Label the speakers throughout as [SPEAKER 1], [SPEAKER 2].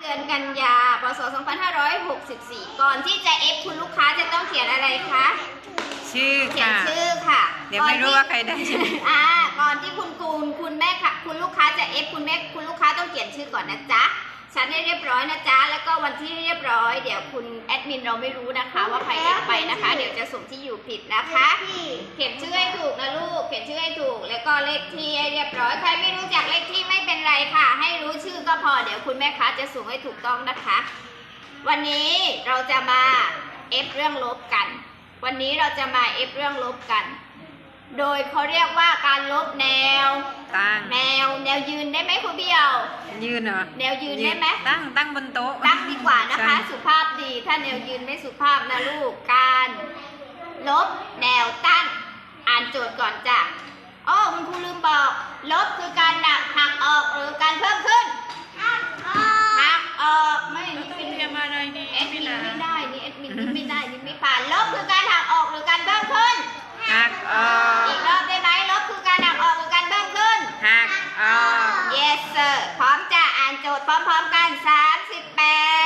[SPEAKER 1] อนกันยาพศ2564 ก่อนที่จะเอฟคุณลูกค้าจะต้องเขียนอะไรคะ
[SPEAKER 2] ชื่อ
[SPEAKER 1] เขียน
[SPEAKER 2] ค่ะ
[SPEAKER 1] ชื่อค่ะ
[SPEAKER 2] เดี๋ยวไม่รู้ว่าใครได้ใช่ไหม
[SPEAKER 1] ก่อนที่คุณแม่ค่ะคุณลูกค้าจะเอฟคุณลูกค้าต้องเขียนชื่อก่อนนะจ๊ะฉันให้เรียบร้อยนะจ๊ะแล้วก็วันที่เรียบร้อยเดี๋ยวคุณแอดมินเราไม่รู้นะคะว่าใครเอฟไปนะคะ เดี๋ยวจะส่งที่อยู่ผิดนะคะเขียนชื่อให้ถูกนะลูกเขียนชื่อให้ถูกแล้วก็เลขที่ให้เรียบร้อยใครไม่รู้จักเลขที่ไม่เป็นไรค่ะ ให้รู้ชื่อก็พอเดี๋ยวคุณแม่ค้าจะส่งให้ถูกต้องนะคะ วันนี้เราจะมาเอฟเรื่องลบกัน วันนี้เราจะมาเอฟเรื่องลบกัน โดยเขาเรียกว่าการลบแนว
[SPEAKER 2] ตั้ง
[SPEAKER 1] แนวยืนได้ไหมคุณเบี้ยว
[SPEAKER 2] ยืนเหรอ
[SPEAKER 1] แนวยืนได้ไหม
[SPEAKER 2] ตั้งบนโต๊ะ
[SPEAKER 1] ตั้งดีกว่านะคะ
[SPEAKER 2] ใช่
[SPEAKER 1] สุภาพดีถ้าแนวยืนไม่สุภาพนะลูกการลบแนวตั้งอ่านโจทย์ก่อนจ้ะอ๋อคุณครูลืมบอกลบคือการหักออกหรือการเพิ่มขึ้นหักออกไม่นี่เป็น
[SPEAKER 2] เตรียมอะไรดี
[SPEAKER 1] แอดมินไม่ได้นี่แอดมินนี่ไม่ได้นี่ไม่ผ่านลบคือการหักออกหรือการเพิ่มขึ้น
[SPEAKER 2] หักออก
[SPEAKER 1] อีกรอบได้ไหมลบคือการหักออกหรือการเพิ่มขึ้น
[SPEAKER 2] หักออก
[SPEAKER 1] yes sir พร้อมจะอ่านโจทย์พร้อมๆกัน38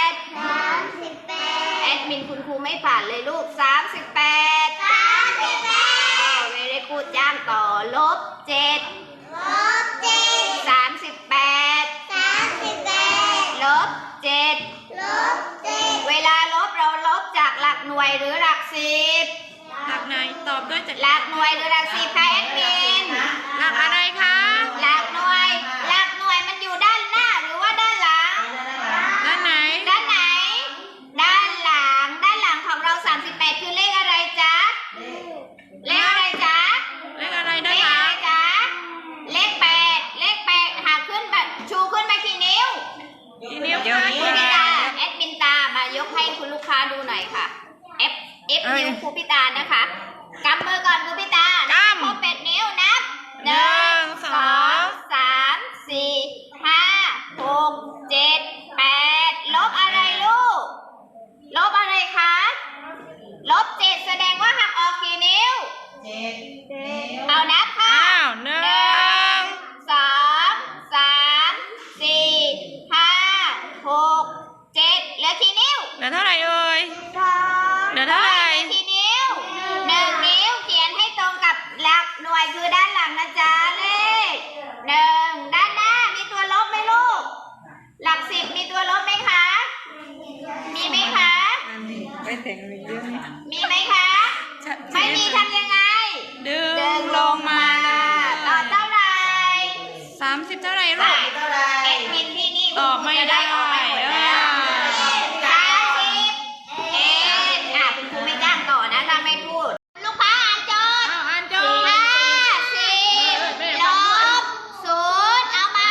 [SPEAKER 1] แอดมินคุณครูไม่ผ่านเลยลูก38เวรกูดย่างต่อลบ7 38ลบ7เวลาลบเราลบจากหลักหน่วยหรือหลักสิบ
[SPEAKER 2] หลักไหนตอบด้วยจาก
[SPEAKER 1] หลักหน่วยหรือหลักสิบคะแอดมิน
[SPEAKER 2] หลักอะไรคะ
[SPEAKER 1] หลักหน่วยมันอยู่ด้านหน้าหรือว่าด้านหลัง
[SPEAKER 2] ด้านไหน
[SPEAKER 1] ด้านไหน ด้านหลังของเรา38คือเลขอะไรจ๊ะ เลขอะไรจ๊ะ
[SPEAKER 2] เลขอะไร
[SPEAKER 1] เล
[SPEAKER 2] ด้าน
[SPEAKER 1] ข
[SPEAKER 2] หลั
[SPEAKER 1] อะไร
[SPEAKER 2] ง
[SPEAKER 1] จ๊ะ เลข8หากขึ้นแบบชูขึ้นมากี่นิ้ว
[SPEAKER 2] กี่นิ้ว
[SPEAKER 1] คุณพิตาแอดมินตามายกให้คุณลูกค้าดูหน่อยค่ะ F นิ้วครูพิตานะคะกำมือก่อนครูพิตาครบ8นิ้วนับ 1 2 3 4 5 6 7 8ลบอะไรลูก ลบอะไรคะ ลบ7แสดงว่าหักออกกี่นิ้วเอานับค่ะ
[SPEAKER 2] อ้าวหนึ่ง
[SPEAKER 1] 2 3 4 5 6 7เหลือกี่นิ้ว
[SPEAKER 2] เหลือเท่าไหร่เอ่ย เหลือเท่าไหร่
[SPEAKER 1] กี่นิ้ว1 นิ้วเขียนให้ตรงกับหลักหน่วยคือด้านหลังนะจ๊ะเลข1ด้านหน้ามีตัวลบไหมลูก หลัก10มีตัวลบไหมคะ มีไหมคะ
[SPEAKER 2] ไปแต่งเรื่องนี้
[SPEAKER 1] มีไหมคะ ไม่มีทำยังไง
[SPEAKER 2] ดึ
[SPEAKER 1] ดึ
[SPEAKER 2] ง
[SPEAKER 1] ง
[SPEAKER 2] ล
[SPEAKER 1] ล
[SPEAKER 2] ง
[SPEAKER 1] ง
[SPEAKER 2] มา
[SPEAKER 1] มาต่อเท่าไหร่
[SPEAKER 2] 30เท่าไหร่ลูก
[SPEAKER 1] แอดมินที่นี่
[SPEAKER 2] ตอบไม่ได้
[SPEAKER 1] ออกมาหมดแล้ว30คุณครูไม่จ้างต่อนะถ้าไม่พูด ลูกค้าอ่านโจทย์
[SPEAKER 2] อ้าวอ่านโจทย์
[SPEAKER 1] 50ลบ0เอาไหม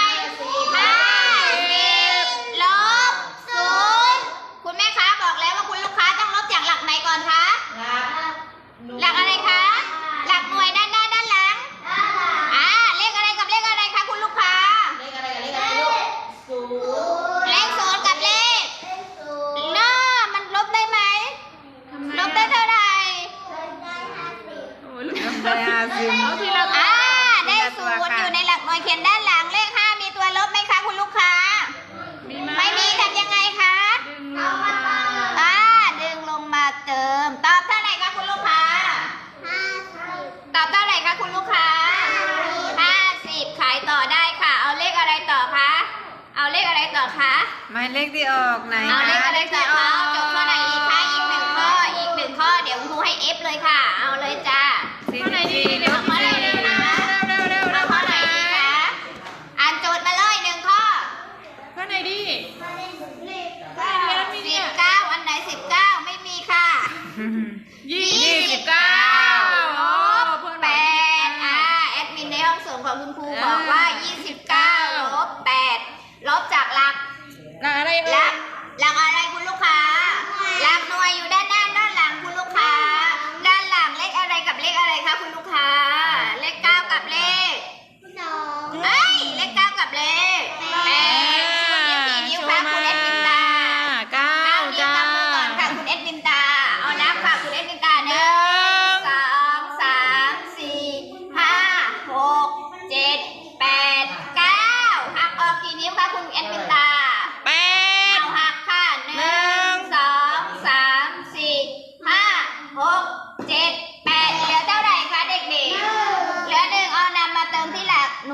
[SPEAKER 1] 50ลบ0คุณแม่ค้าบอกแล้วว่าคุณลูกค้าต้องลบจากหลักไหนก่อนคะ หลักอะไรคะ หลักหน่วยด้านหน้าด้านหลังเลขอะไรกับเลขอะไรคะคุณลูกค้า เลขศูนย์กับเลขน่ามันลบได้ไหม ลบได้เท่าไหร่
[SPEAKER 2] ได้50เอาทีละ
[SPEAKER 1] ได้ศูนย์อยู่ในหลักหน่วยเขียนด้านหลังเลข5มีตัวลบไหมคะคุณลูกค้า ไม่มีทำยังไงคะ ดึงลงมาเติม ตอบเท่าไหร่คะคุณลูกค้า ตอบเท่าไหร่คะคุณลูกค้า50ขายต่อได้ค่ะ เอาเลขอะไรต่อคะ เอาเลขอะไรต่อคะ
[SPEAKER 2] หมายเลขที่ออกไหน
[SPEAKER 1] เอาเลขอะไรต่อคะจบข้อไหนอีกคะอีกหนึ่งข้อเดี๋ยวครูให้ F เลยค่ะ เอาเลยจ้า
[SPEAKER 2] ข้อไหนดีเร็ว
[SPEAKER 1] เอาข้อไหนดีคะ
[SPEAKER 2] เร็ว
[SPEAKER 1] เอาข้อไหนดีคะอ่านโจทย์มาเลย1ข้อ
[SPEAKER 2] ข้อไหนดี
[SPEAKER 1] 19อันไหน19ไม่มีค่ะ
[SPEAKER 2] 29
[SPEAKER 1] ลบ8แอดมินในห้องส่งของคุณครูบอกว่า 29ลบ8ลบจากหลัก
[SPEAKER 2] หลักอะไร
[SPEAKER 1] ห
[SPEAKER 2] เอ่
[SPEAKER 1] ลั
[SPEAKER 2] ย
[SPEAKER 1] กอะไรคุณลูกค้า หลักหน่วยอยู่ด้านหน้าด้านหลังคุณลูกค้า ด้านหลังเลขอะไรกับเลขอะไรคะคุณลูกค้า เลข9กับเลขเลข9กับเลข8ชูนิ้วกี่นิ้วคะคุณเอ็ดมินตา
[SPEAKER 2] 9
[SPEAKER 1] จ้า
[SPEAKER 2] จ้า
[SPEAKER 1] มือก่อนค่ะคุณเอ็ดมินตา เอานับค่ะคุณเอ็ดมินตา1 2 3 4 5 6 7 8 9หักออกกี่นิ้วคะคุณเอ็ดมินตา
[SPEAKER 2] 8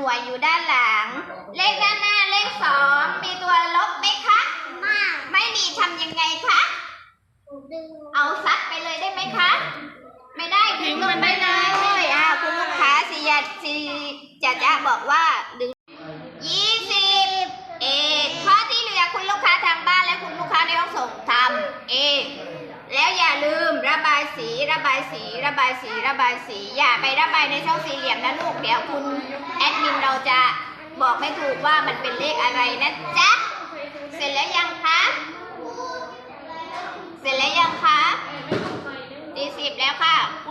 [SPEAKER 1] น่วยอยู่ด้านหลัง เลขด้านหน้าเลข2มีตัวลบไหมคะไม่มีทำยังไงคะเอาซัดไปเลยได้ไหมคะไม่ได้
[SPEAKER 2] ทิ้ง
[SPEAKER 1] ล
[SPEAKER 2] มั
[SPEAKER 1] ง
[SPEAKER 2] น
[SPEAKER 1] ไป
[SPEAKER 2] ได้
[SPEAKER 1] เล
[SPEAKER 2] เลย
[SPEAKER 1] คุณลูกค้าจะบอกว่าดึง20ข้อที่เหลือคุณลูกค้าทางบ้านและคุณลูกค้าในห้องส่งทำเองแล้วอย่าลืมระบายสีระบายสีระบายสีระบายสีอย่าไประบายในช่องสี่เหลี่ยมนะลูกเดี๋ยวคุณแอดมินเราจะบอกไม่ถูกว่ามันเป็นเลขอะไรนะจ๊ะเสร็จแล้วยังคะเสร็จแล้วยังคะ40แล้วค่ะ